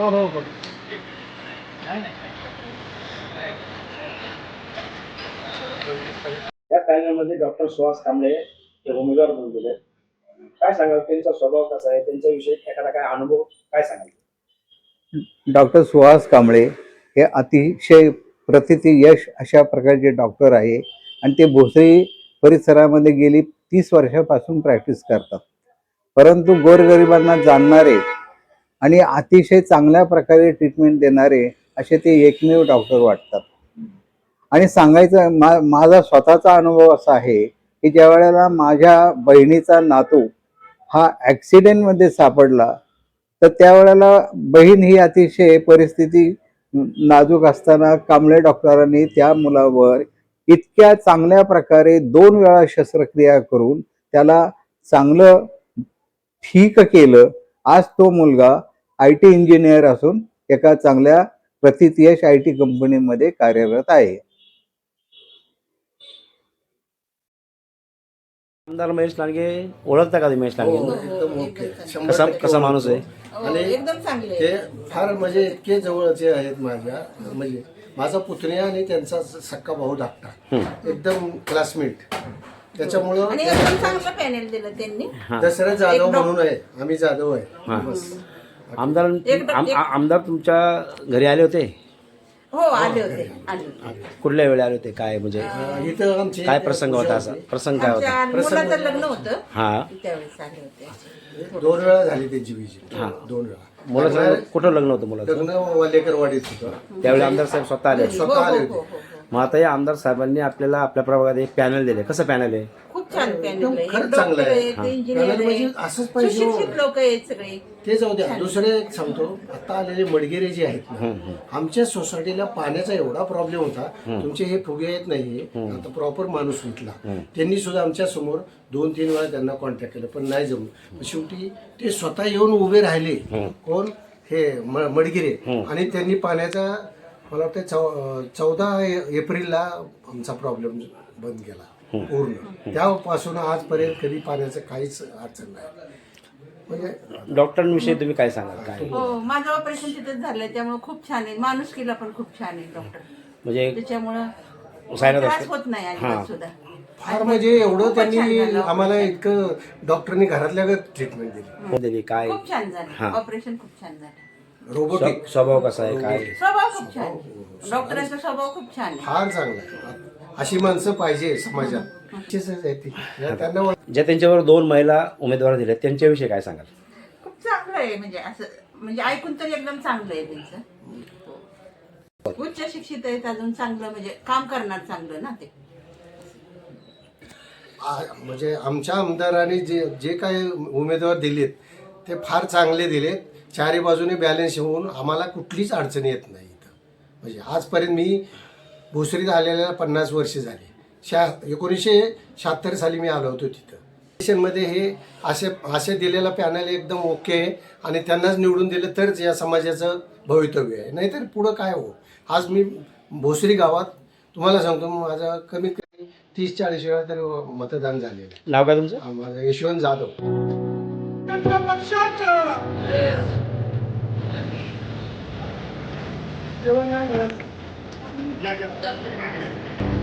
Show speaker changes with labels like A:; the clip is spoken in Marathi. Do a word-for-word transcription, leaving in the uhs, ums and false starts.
A: हो हो
B: या पॅनलमध्ये डॉक्टर सुहास कांबळे हे उमेदवार म्हणून दिले. काय सांगाल त्यांचा स्वभाव कसा आहे, त्यांच्याविषयी एखादा काय अनुभव काय सांगाल?
C: डॉक्टर सुहास कांबळे हे अतिशय प्रथिती यश अशा प्रकारचे डॉक्टर आहे आणि ते भोसरी परिसरामध्ये गेली तीस वर्षापासून प्रॅक्टिस करतात. परंतु गोरगरिबांना जाणणारे आणि अतिशय चांगल्या प्रकारे ट्रीटमेंट देणारे असे ते एकमेव डॉक्टर वाटतात. आणि सांगायचं मा माझा स्वतःचा अनुभव असा आहे की ज्या वेळेला माझ्या बहिणीचा नातू हा ॲक्सिडेंटमध्ये सापडला तर त्यावेळेला बहीण ही अतिशय परिस्थिती नाजूक असताना कांबळे डॉक्टरांनी त्या मुलावर इतक्या चांगल्या प्रकारे दोन वेळा शस्त्रक्रिया करून त्याला चांगलं ठीक केलं. आज तो मुलगा आय टी इंजिनियर असून एका चांगल्या प्रथितयश आय टी कंपनीमध्ये कार्यरत आहे.
D: आमदार महेश लांडगे ओळखता का तुम्ही महेश लांडगे?
E: एकदम ओके. शंभर
D: कसा
E: टक्के
D: कसा माणूस आहे?
E: ओळखतो. आणि
F: एकदम चांगले
E: ते फार म्हणजे इतके जवळचे आहेत माझ्या, म्हणजे माझा पुतण्या आणि त्यांचा सक्का भाऊ धाकटा, एकदम क्लासमेट. त्याच्यामुळं
F: आणि एकदम चांगलं पॅनल दिलं त्यांनी.
E: दसरा जाधव म्हणून आहे, आम्ही जाधव आहे बस.
D: आमदार
F: एकदम-
D: आम- आ- आमदार तुमच्या घरी आले होते?
F: हो आले होते आले होते.
D: कुठल्या वेळी आले होते? काय म्हणजे
E: अं, इथं आमची
D: काय प्रसंग होता? असा प्रसंग काय होता?
F: आमच्या मुलाचं लग्न होतं
D: हा
F: त्यावेळेस आले होते.
E: दोन वेळा झाली त्यांची विजिट, दोन वेळा.
D: मुलाचं कुठं लग्न होतं मुलाचं?
E: लग्न वालेकर वाडीत होतं.
D: त्यावेळी आमदार साहेब स्वतः आले होते.
E: स्वतः
F: हो,
E: आले
F: हो,
E: होते.
F: हो, हो.
D: मग आता या आमदार साहेबांनी आपल्याला आपल्या प्रभागात एक पॅनल दिले. कसं पॅनल आहे?
F: खूप छान पॅनल
E: एकदम
F: आहे.
E: खरंच
F: डॉक्टर
E: चांगलं आहे.
F: आहेत, इंजिनियर
E: पॅनल म्हणजे
F: आहेत,
E: असंच पाहिजे हो.
F: सुशिक्षित लोक आहेत सगळे.
E: ते जाऊ द्या. दुसरे एक सांगतो, आता आलेले मडगेरे जे आहेत ना, आमच्या सोसायटीला पाण्याचा एवढा प्रॉब्लेम होता. तुमचे हे फुगे येत नाही, आता प्रॉपर माणूस विकला. त्यांनी सुद्धा आमच्या समोर दोन तीन वेळा त्यांना कॉन्टॅक्ट केलं, पण नाही जमलं. शेवटी ते स्वतः येऊन उभे राहिले. कोण? हे म- मडगिरे. आणि त्यांनी पाण्याचा मला वाटतं चौ चौदा एप्रिलला आमचा प्रॉब्लेम बंद केला पूर्ण. त्यापासून आजपर्यंत कधी पाण्याचं काहीच अडचण नाही. म्हणजे
D: डॉक्टरांविषयी तुम्ही काय सांगाल? काय
F: हो माझं ऑपरेशन तिथेच झालंय त्यामुळे खूप छान आहे. माणुसकीला पण खूप छान आहे डॉक्टर.
D: म्हणजे
F: त्याच्यामुळं
D: सायनात
F: त्रास
D: असतो?
F: होत नाही अजिबात सुद्धा.
E: फार म्हणजे एवढं
F: खूपच छान
E: त्यांनी
F: झालं
E: आम्हाला
F: operation.
E: इतकं डॉक्टरनी घरातल्या घरात ट्रीटमेंट दिली.
D: दिली काय?
F: खूप छान झालं ऑपरेशन, खूप छान झालं.
E: रोबोटिक
D: स्व- स्वभाव कसा आहे? काय
F: स्वभाव खूप छान. डॉक्टरांचा स्वभाव खूप छान आहे.
E: फार चांगला आहे. अशी माणसं पाहिजे समाजात. अशीच आहेत ती. या त्यांना ओळख-
D: ज्या त्यांच्यावर दोन महिला उमेदवार दिले त्यांच्याविषयी काय सांगाल?
F: खूप चांगलं आहे. म्हणजे असं म्हणजे ऐकून तरी एकदम चांगलं आहे त्यांचं. उच्च शिक्षित आहेत, अजून चांगलं म्हणजे काम करणार चांगलं ना ते.
E: आ- म्हणजे आमच्या आमदारांनी जे जे काही उमेदवार दिलेत ते फार चांगले दिलेत. चारी बाजूने बॅलन्स होऊन आम्हाला कुठलीच अडचण येत नाही इथं. म्हणजे आजपर्यंत मी भोसरीत आलेल्या पन्नास वर्ष झाली. शा एकोणीसशे शहात्तर साली मी आलो होतो तिथं. स्टेशनमध्ये हे असे असे दिलेला पॅनल एकदम ओके आहे आणि त्यांनाच निवडून दिलं तरच या समाजाचं भवितव्य आहे. नाहीतर पुढं काय हो. आज मी भोसरी गावात तुम्हाला सांगतो, माझा कमीत कमी तीस चाळीस वेळा तरी मतदान झालेलं आहे.
D: नाव काय तुमचं?
E: माझं यशवंत जाधव.
A: या, या.